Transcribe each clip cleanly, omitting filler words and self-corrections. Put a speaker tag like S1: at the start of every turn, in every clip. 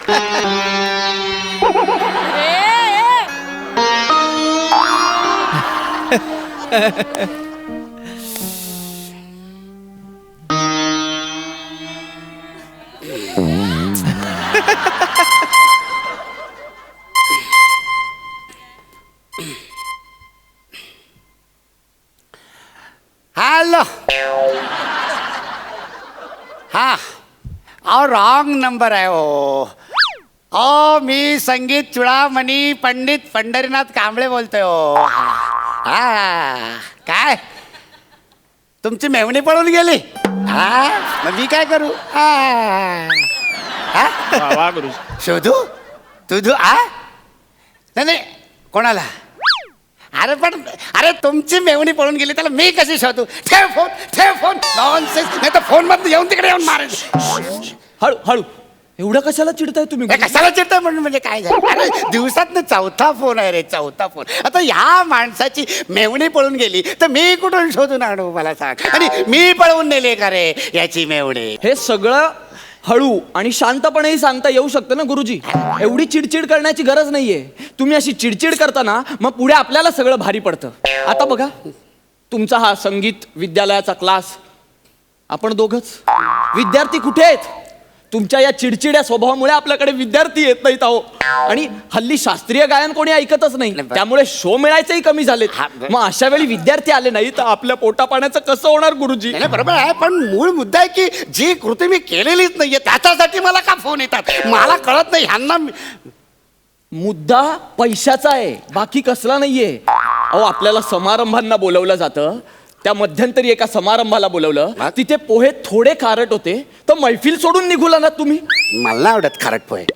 S1: Hello. हा अहो wrong number आहे हो. मी संगीत चुडामणी पंडित पंढरीनाथ कांबळे बोलतोय हो. हा काय तुमची मेवणी पळून गेली? हा मग मी काय करू? शोधू तुझू नाही कोणाला? अरे तुमची मेवणी पळून गेली त्याला मी कशी शोधू? ठेव फोन नॉनसेन्स. नाही तर फोन मध्ये येऊन तिकडे येऊन मारेल.
S2: हळू हळू. एवढं कशाला चिडताय तुम्ही?
S1: कशाला चिडताय म्हणून म्हणजे काय झालं? अरे दिवसात चौथा फोन आहे रे, चौथा फोन. आता ह्या माणसाची मेवणी पळून गेली तर मी कुठून शोधून आणू मला सांग? आणि मी पळवून नेले का रे याची मेवणी?
S2: हे सगळं हळू आणि शांतपणेही सांगता येऊ शकतं ना गुरुजी. एवढी चिडचिड करण्याची गरज नाहीये. तुम्ही अशी चिडचिड करता ना मग पुढे आपल्याला सगळं भारी पडतं. आता बघा तुमचा हा संगीत विद्यालयाचा क्लास, आपण दोघच विद्यार्थी कुठे आहेत? तुमच्या या चिडचिड्या स्वभावामुळे आपल्याकडे विद्यार्थी येत नाहीत अहो. आणि हल्ली शास्त्रीय गायन कोणी ऐकतच नाही, त्यामुळे शो मिळायचंही कमी झाले. मग अशा वेळी विद्यार्थी आले नाही तर आपल्या पोटा पाण्याचं कसं होणार गुरुजी?
S1: बरोबर आहे, पण मूळ मुद्दा आहे की जी कृती मी केलेलीच नाहीये त्याच्यासाठी मला का फोन येतात मला कळत नाही. ह्यांना
S2: मुद्दा पैशाचा आहे, बाकी कसला नाहीये. अहो आपल्याला समारंभांना बोलवलं जातं. त्या मध्यंतरी एका समारंभाला बोलवलं, तिथे पोहे थोडे खारट होते तर मैफिल सोडून निघूला ना तुम्ही.
S1: मला आवडत खारट पोहे.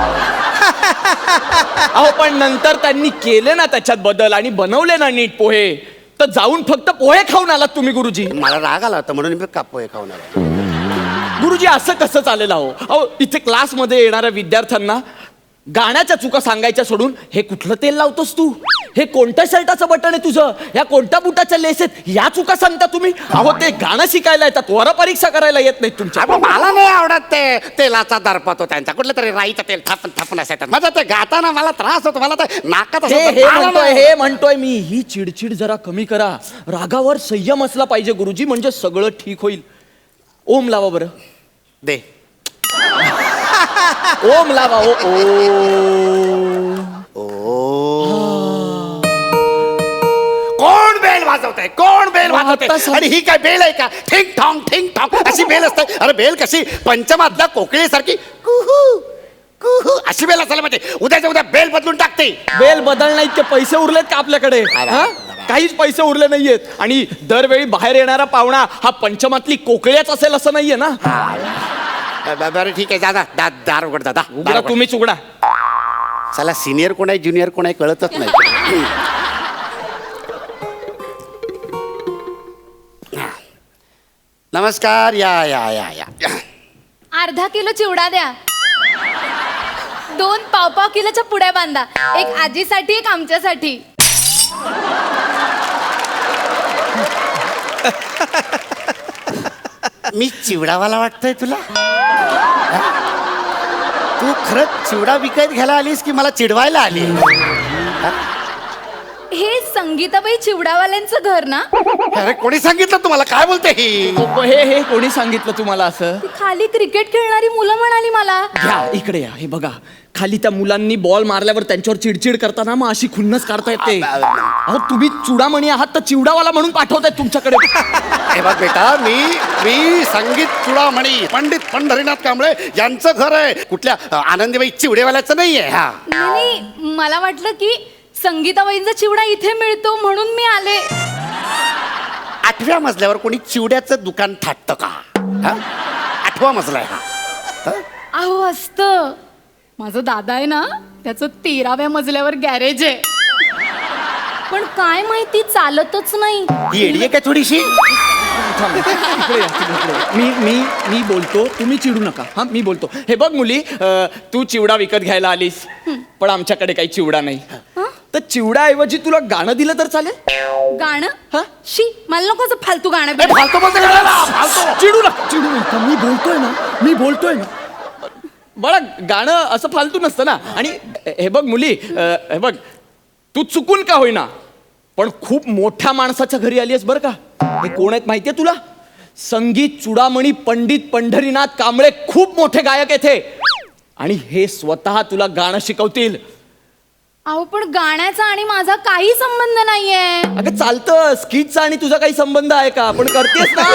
S2: अहो पण नंतर त्यांनी केले ना त्याच्यात बदल आणि बनवले ना नीट पोहे, तर जाऊन फक्त पोहे खाऊन आलात तुम्ही गुरुजी.
S1: मला राग आला होता म्हणून मी का पोहे खाऊन आलो.
S2: गुरुजी असं कसं चालेल अहो? अहो इथे क्लासमध्ये येणाऱ्या विद्यार्थ्यांना गाण्याच्या चुका सांगायच्या सोडून हे कुठलं तेल लावतोस तू, हे कोणत्या शर्टाचं बटन आहे तुझं, या कोणत्या बुटाच्या लेस आहेत, या चुका सांगता तुम्ही. अहो ते गाणं शिकायला येतात, वर परीक्षा करायला येत नाही तुमच्या.
S1: मला नाही आवडत ते तेलाचा दर्प होतो त्यांचा, कुठलं तरी राईचं तेल थापून असायचं. माझं ते गाताना मला त्रास होतो, मला तर नाकात
S2: हे म्हणतोय मी, ही चिडचिड जरा कमी करा. रागावर संयम असला पाहिजे गुरुजी, म्हणजे सगळं ठीक होईल. ओम लावा बरं.
S1: दे
S2: ओम लावा.
S1: कोण बेल वाजवतंय? कोण बेल वाजवतंय? आणि ही काय बेल आहे का? ठिंग ठॉंग अशी बेल असते? अरे बेल कशी पंचमातल्या कोकिळेसारखी कुहू कुहू अशी बेल असायला पाहिजे. उद्याच्या उद्या बेल बदलून टाकते.
S2: बेल बदलण्या इतके पैसे उरलेत का आपल्याकडे? काहीच पैसे उरले नाहीयेत. आणि दरवेळी बाहेर येणारा पाहुणा हा पंचमातली कोकिळ्याच असेल असं नाहीये ना.
S1: बरं ठीक आहे, दादा दार उघड. दादा
S2: उघडा, तुम्हीच उघडा.
S1: चला सिनियर कोण आहे ज्युनियर कोण आहे कळतच नाही. नमस्कार. या या या या.
S3: अर्धा किलो चिवडा द्या, 2 पाव किलोच्या पुड्या बांधा, एक आजीसाठी एक आमच्यासाठी.
S1: मी चिवडावाला वाटतोय तुला? तू खरंच चिवडा विकत घ्यायला आलीस की मला चिडवायला आली?
S3: हे संगीताबाई चिवडावाल्यांचं घर ना?
S1: अरे कोणी सांगितलं तुम्हाला? काय बोलते ही?
S2: हे कोणी सांगितलं तुम्हाला असं?
S3: खाली क्रिकेट खेळणारी मुलं म्हणाली मला.
S2: घ्या इकडे या. हे बघा खाली त्या मुलांनी बॉल मारल्यावर त्यांच्यावर चिडचिड करताना मग अशी खुन्नस काढता येते. अहो तुम्ही चुडामणी आहात तर चिवडावाला म्हणून पाठवतायत तुमच्याकडे.
S1: हे बघ बेटा, मी संगीत चुडामणी पंडित पंढरीनाथ कांबळे यांचं घर आहे, कुठल्या आनंदीबाई चिवडेवाल्याचं नाहीये. हा
S3: नाही, मला वाटलं की संगीताबाईंचा चिवडा इथे मिळतो म्हणून मी आले.
S1: 8व्या मजल्यावर कोणी चिवड्याचं दुकान थाटतं का? 8वा मजला आहे हा.
S3: अहो असतं. माझा दादा आहे ना, त्याचं 13व्या मजल्यावर गॅरेज आहे, पण काय माहिती चालतच नाही.
S1: ही येडी आहे का थोडीशी?
S2: मी बोलतो, तुम्ही चिडू नका. हा मी बोलतो. हे बघ मुली, तू चिवडा विकत घ्यायला आलीस पण आमच्याकडे काही चिवडा नाही, तर चिवडाऐवजी तुला गाणं दिलं तर चालेल?
S3: गाणं? हा शी, मला नको असं फालतू गाणं.
S2: चिडू नका. मी बोलतोय ना. बाळा गाणं असं फालतू नसतं ना. आणि हे बघ मुली, हे बघ, तू चुकून का होईना पण खूप मोठ्या माणसाच्या घरी आली आहेस बरं का. हे कोण आहेत माहितीये तुला? संगीत चुडामणी पंडित पंढरीनाथ कांबळे, खूप मोठे गायक आहेत हे. आणि हे स्वतः तुला गाणं शिकवतील.
S3: अहो पण गाण्याचा आणि माझा काही संबंध नाहीये.
S2: अगं चालतं, स्किटचा आणि तुझा काही संबंध आहे का? पण करतेस ना.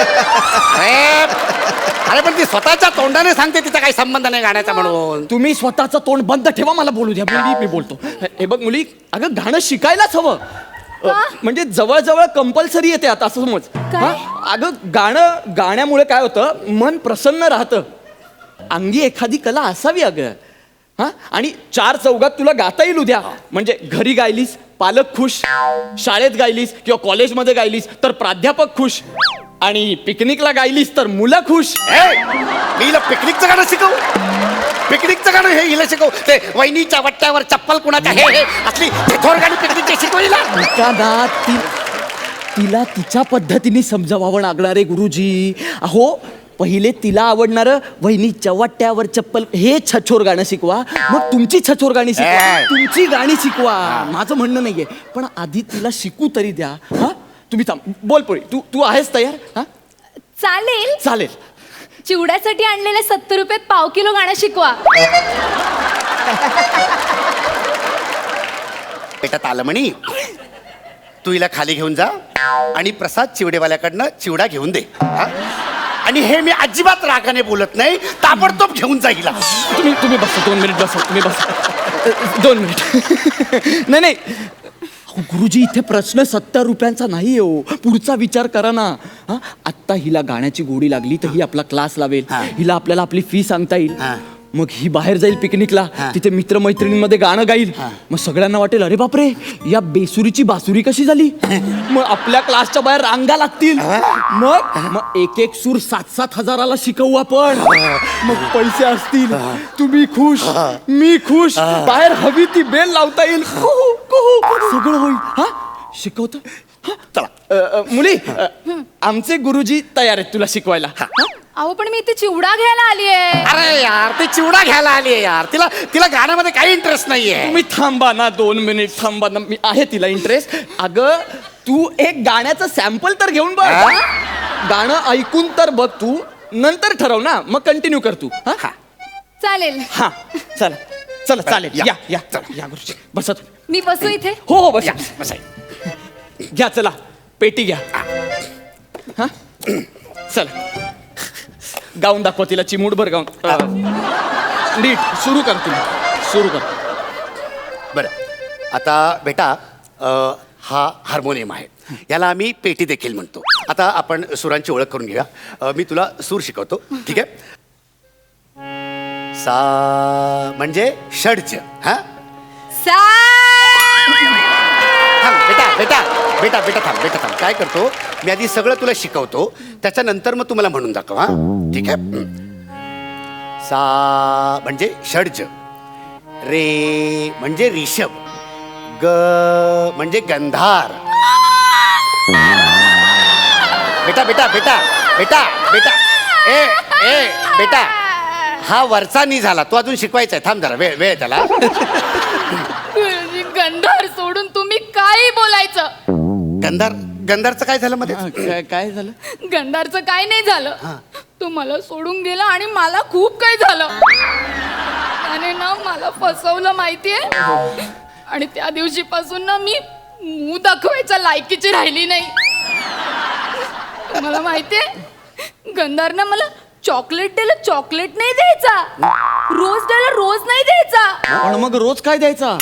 S1: अरे पण ती स्वतःच्या तोंडाने सांगते तिचा काही संबंध नाही गाण्याचा म्हणून.
S2: तुम्ही स्वतःचं तोंड बंद ठेवा, मला बोलू द्या. मी बोलतो. हे बघ मुली, अगं गाणं शिकायलाच हवं. म्हणजे जवळजवळ कंपल्सरी येते आता, असं समज.
S3: काय?
S2: हा? अगं गाण्यामुळे काय होतं, मन प्रसन्न राहतं. अंगी एखादी कला असावी अगं. हा, आणि 4 चौघात तुला गाता येईल उद्या. म्हणजे घरी गायलीस पालक खुश, शाळेत गायलीस किंवा कॉलेजमध्ये गायलीस तर प्राध्यापक खुश, आणि पिकनिकला गायलीस तर मुलं खुश.
S1: मी हिला पिकनिकचं गाणं शिकव. पिकनिकचं गाणं हे हिला शिकव. ते वहिनीच्या वट्ट्यावर चप्पल कुणाच्या हे असली थोर गाणी पिकनिकची शिकवली
S2: ना. तिला तिच्या पद्धतीने समजावावं लागणार आहे गुरुजी. अहो पहिले तिला आवडणारं वहिनीच्या वाट्यावर चप्पल हे छछोर गाणं शिकवा, मग तुमची छछोर गाणी शिकवा, तुमची गाणी शिकवा. माझं म्हणणं नाहीये, पण आधी तिला शिकू तरी द्या. हा, तुम्ही बोल पोळी, तू आहेस तयार? हा
S3: चालेल.
S2: चालेल.
S3: चिवड्यासाठी आणलेल्या 70 रुपयात पाव किलो गाणं शिकवा.
S1: बेटा तालमणी, तू हिला खाली घेऊन जा आणि प्रसाद चिवडेवाल्याकडनं चिवडा घेऊन दे. हा? आणि हे मी अजिबात रागाने बोलत नाही, ताबडतोब घेऊन जा हिला.
S2: तुम्ही बसा 2 मिनिट बसा. तुम्ही बसा 2 मिनिट. नाही अहो, गुरुजी इथे प्रश्न 70 रुपयांचा नाही हो. पुढचा विचार करा ना. हा, आत्ता हिला गाण्याची गोडी लागली तर ही आपला क्लास लावेल. हिला आपल्याला आपली फी सांगता येईल. मग ही बाहेर जाईल पिकनिकला, तिथे मित्रमैत्रिणींमध्ये गाणं गाईल. मग सगळ्यांना वाटेल अरे बापरे, या बेसुरीची बासुरी कशी झाली. मग आपल्या क्लासच्या बाहेर रांगा लागतील. मग एक सूर 7-7 हजाराला शिकवू आपण. मग पैसे असतील, तुम्ही खुश, मी खुश, बाहेर हवी ती बेल लावता येईल. कुहू, कुहू, सगळं होईल. हा, शिकवतो. चला मुली, आमचे गुरुजी तयार आहेत तुला शिकवायला.
S3: अहो पण मी इथे चिवडा घ्यायला आलीये.
S1: अरे यार, ती चिवडा घ्यायला आली आहे यार. तिला गाण्यामध्ये काही इंटरेस्ट नाहीये.
S2: तुम्ही थांबा ना 2 मिनिट, थांबा ना. मी आहे तिला इंटरेस्ट. अगं तू एक गाण्याचं सॅम्पल तर घेऊन बघ. गाणं ऐकून तर बघ तू, नंतर ठरव ना. मग कंटिन्यू कर तू. हा
S3: चालेल.
S2: हा, चला चला चालेल. या गुरुजी बसा.
S3: मी बसू इथे?
S2: हो बसा.
S1: बसा.
S2: घ्या, चला पेटी घ्या. हा चला, गाऊन दाखवा तिला, चिमूटभर गाऊन. नीट सुरू कर, तुम्ही सुरू कर.
S1: बरं, आता बेटा हा हार्मोनियम आहे, याला आम्ही पेटी देखील म्हणतो. आता आपण सुरांची ओळख करून घेऊया. मी तुला सूर शिकवतो, ठीक आहे? सा म्हणजे षड्ज. हा थांब बेटा थांब. काय करतो मी, आधी सगळं तुला शिकवतो, त्याच्यानंतर मग तुम्हाला म्हणून दाखव. हा ठीक आहे? सा म्हणजे षड्ज, रे म्हणजे रिषभ, ग म्हणजे गंधार. बेटा बेटा हा वरचा नी झाला, तो अजून शिकवायचा आहे. थांब जरा, वेळ त्याला.
S3: गंधार सोडून तुम्ही काही बोलायचं.
S1: गंधारचं काय झालं मध्ये?
S2: काय झालं?
S3: गंधारचं काय नाही झालं. तू मला सोडून गेला आणि मला खूप काय झालं. त्याने ना मला फसवलं माहितीये. आणि त्या दिवशीपासून ना मी मूळ दाखवायच्या लायकीची राहिली नाही. तुम्हाला माहितीये, गंधारनं मला चॉकलेट द्यायला चॉकलेट नाही द्यायचा, रोज द्यायला रोज नाही द्यायचा.
S2: पण मग रोज काय द्यायचा?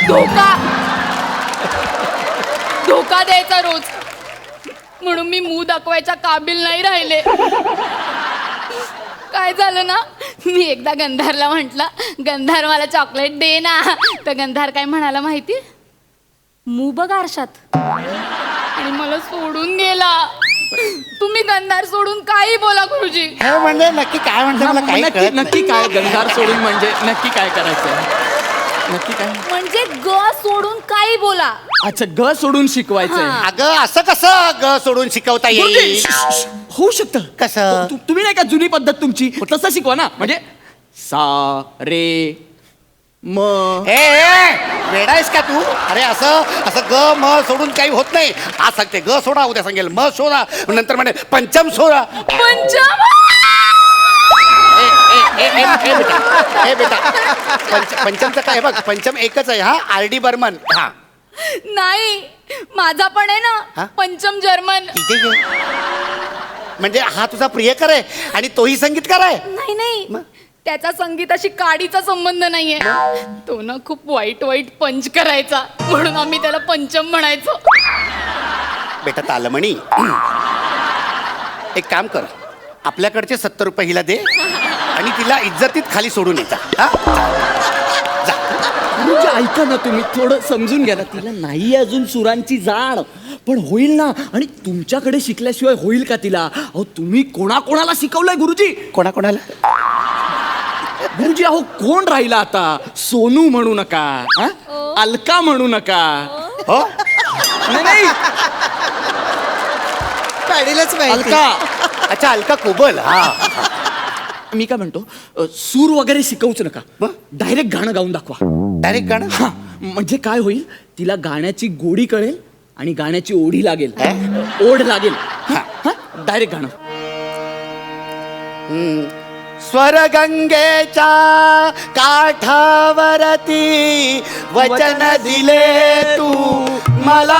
S3: धोका द्यायचा रोज. म्हणून मी मूळ दाखवायच्या काबिल नाही राहिले. काय झालं ना, मी एकदा गंधारला म्हटलं, गंधार मला चॉकलेट दे ना. तर गंधार काय म्हणाला माहिती? मू बघ आरशात. आणि मला सोडून गेला. तुम्ही गंधार सोडून काही बोला गुरुजी.
S1: म्हणजे नक्की काय म्हणतो मला काही कळत नाही.
S2: नक्की काय गंधार सोडून म्हणजे नक्की काय करायचं? नक्की काय
S3: म्हणजे ग सोडून काही बोला.
S2: अच्छा, ग सोडून शिकवायचंय.
S1: अगं असं कसं ग सोडून शिकवता येईल?
S2: होऊ शकतं.
S1: कसं?
S2: तुम्ही नाही का जुनी पद्धत तुमची तसं शिकवा ना. म्हणजे सा रे म.
S1: वेडा आहेस का तू? अरे असं असं ग म सोडून काही होत नाही. आज सांगते ग सोडा, उद्या सांगेल म सोडा, नंतर म्हणे पंचम सोडा.
S3: पंचम.
S1: ए बेटा पंचमचं काय बघ, पंचम एकच आहे हा, RD बर्मन. हा
S3: नाही, माझा पण आहे
S1: हा?
S3: ना पंचम जर्मन.
S1: इथे घे. म्हणजे हा तुझा प्रियकर आहे आणि तोही संगीतकार आहे.
S3: नाही नाही, त्याचा संगीताशी काडीचा संबंध नाहीये. तो ना खूप वाईट वाईट पंच करायचा, म्हणून आम्ही त्याला पंचम म्हणायचो.
S1: बेटा तालमणी, एक काम कर, आपल्याकडचे 70 रुपये हिला दे आणि तिला इज्जतीत खाली सोडून येता.
S2: गुरुजी ऐका ना, तुम्ही थोडं समजून घ्या ना. तिला नाही अजून सुरांची जाण, पण होईल ना. आणि तुमच्याकडे शिकल्याशिवाय होईल का तिला? अहो तुम्ही कोणाकोणाला शिकवलंय गुरुजी?
S1: कोणाकोणाला?
S2: गुरुजी अहो कोण राहिला आता? सोनू म्हणू नका, हा? अलका म्हणू नका.
S1: हो
S2: नाही नाही,
S4: पाडीलच माहिती.
S2: अलका.
S1: अच्छा, अलका कोबल. हा
S2: मी काय म्हणतो, सूर वगैरे शिकवूच नका,
S1: मग?
S2: डायरेक्ट गाणं गाऊन दाखवा.
S1: डायरेक्ट गाणं.
S2: हा, म्हणजे काय होईल, तिला गाण्याची गोडी कळेल आणि गाण्याची ओढी लागेल. ओढ लागेल. डायरेक्ट गाणं.
S1: स्वरगंगेच्या काठावरती वचन दिले तू मला.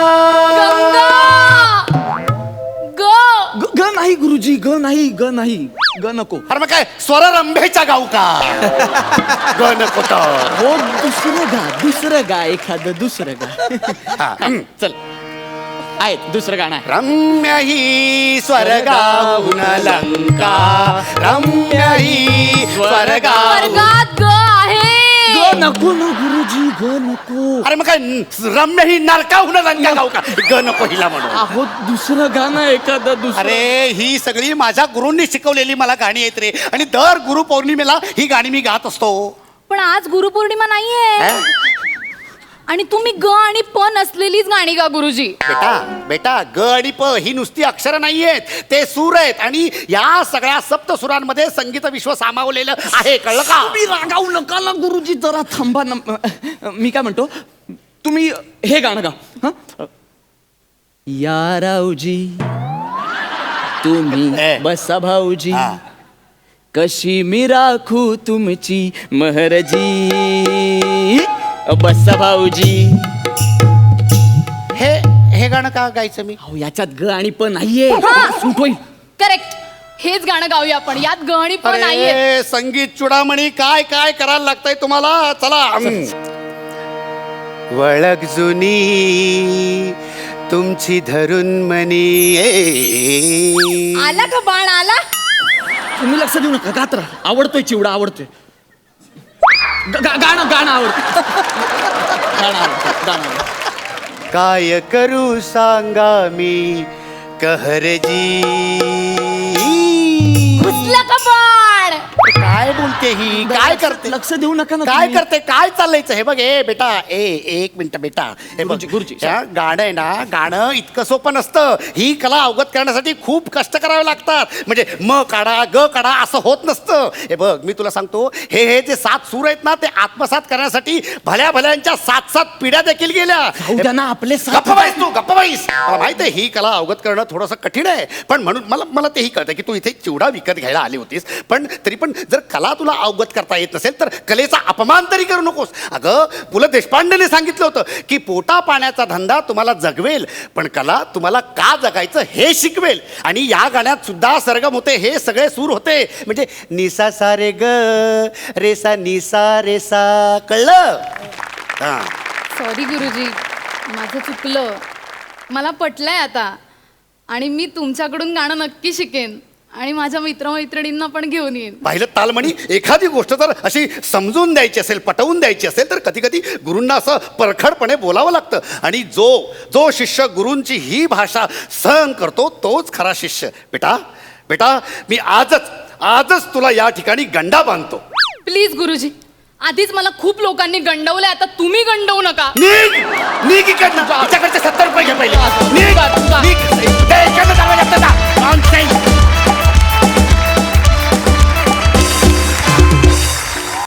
S3: ग.
S2: ग नाही गुरुजी, ग नाही, ग नाही, ग नको.
S1: अरे मग काय स्वररंभेचा गाऊ का? ग नको तर.
S2: हो दुसरं गा एखादं दुसरं गा. चल, आहे दुसरं गाणं आहे.
S1: रम्य ही स्वर्गाहून लंका, रम्य ही स्वर्गाहून.
S3: वर्गात ग आहे.
S2: ग नको ना गुरुजी, ग नको.
S1: अरे मग काय रम्य ही नरकाहून लंका गाऊ का? ग नको हिला म्हणून.
S2: अहो दुसरं गाणं एखादं दुसरं.
S1: अरे ही सगळी माझ्या गुरूंनी शिकवलेली मला गाणी आहेत रे, आणि दर गुरुपौर्णिमेला ही गाणी मी गात असतो.
S3: पण आज गुरुपौर्णिमा नाहीये, आणि तुम्ही ग आणि प नसलेलीच गाणी गा गुरुजी.
S1: बेटा ग आणि प ही नुसती अक्षरं नाहीयेत, ते सूर आहेत, आणि या सगळ्या सप्त सुरांमध्ये संगीत विश्व सामावलेलं आहे, कळलं का?
S2: तुम्ही रागावू नका ना गुरुजी, जरा थांबा ना. मी काय म्हणतो, तुम्ही हे गाणं गा. हं? या रावजी तुम्ही बसा भाऊजी,
S1: हा.
S2: कशी मी राखू तुमची महरजी, बसा भाऊजी.
S1: हे गाणं का गायचं मी?
S2: अहो याच्यात ग आणि प नाहीये,
S3: हा.
S2: सूट होईल.
S3: करेक्ट, हेच गाणं गाऊया आपण. यात ग आणि प नाहीये.
S1: अरे संगीत चुडामणी काय काय करायला लागतंय तुम्हाला. चला. वळख जुनी तुमची धरून मनी.
S3: आला का बाण आला?
S2: तुम्ही लक्ष देऊ नका, गात्र आवडतोय, चिवडा आवडतोय. गाणं गाणं आवडतं. गाणं आवडतं, गाणं आवडतं.
S1: काय करू सांगा मी कहरजी.
S3: घुसला का बाण?
S1: काय बोलते ही, काय करते?
S2: लक्ष देऊ नका ना
S1: काय
S2: तुम्ही.
S1: करते, काय चाललंयचं हे बघ. ए बेटा, एक मिनिट बेटा. हे बघ
S2: गुरुजी,
S1: त्या गाणं आहे ना, गाणं इतकं सोपं नसतं. ही कला अवगत करण्यासाठी खूप कष्ट करावे लागतात. म्हणजे म काढा ग काढा असं होत नसतं. हे बघ मी तुला सांगतो, हे जे 7 सूर आहेत ना, ते आत्मसात करण्यासाठी भल्या भल्यांच्या 7 पिढ्या देखील गेल्या.
S2: जाऊ द्या ना, आपले
S1: गप्प बाईस तू, गप्प बाईस. मला माहित आहे ही कला अवगत करणं थोडंसं कठीण आहे, पण म्हणून मला तेही कळतं की तू इथे चिवडा विकत घ्यायला आली होतीस. पण तरी पण जर कला तुला अवगत करता येत नसेल तर कलेचा अपमान तरी करू नकोस. अगं पु ल देशपांडेने सांगितलं होतं की पोटा पाण्याचा धंदा तुम्हाला जगवेल, पण कला तुम्हाला का जगायचं हे शिकवेल. आणि या गाण्यात सुद्धा सरगम होते, हे सगळे सूर होते. म्हणजे निसा सा रे ग रेसा निसा रेसा. कळलं? हा.
S3: सॉरी गुरुजी, माझं चुकलं. मला पटलंय आता, आणि मी तुमच्याकडून गाणं नक्की शिकेन आणि माझ्या मित्रमैत्रिणींना पण घेऊन येईन.
S1: पाहिलं तालमणी, एखादी गोष्ट जर अशी समजून द्यायची असेल, पटवून द्यायची असेल, तर कधी कधी गुरूंना असं परखडपणे बोलावं लागतं. आणि जो शिष्य गुरूंची ही भाषा सहन करतो तोच खरा शिष्य. बेटा मी आजच तुला या ठिकाणी गंडा बांधतो.
S3: प्लीज गुरुजी, आधीच मला खूप लोकांनी गंडवलंय, आता तुम्ही गंडवू नका.
S1: निघ इकडनं. हिच्याकडचे 70 रुपये घे पहिले.
S3: जा.
S1: निघ. ते इकडनं जावं लागतं का?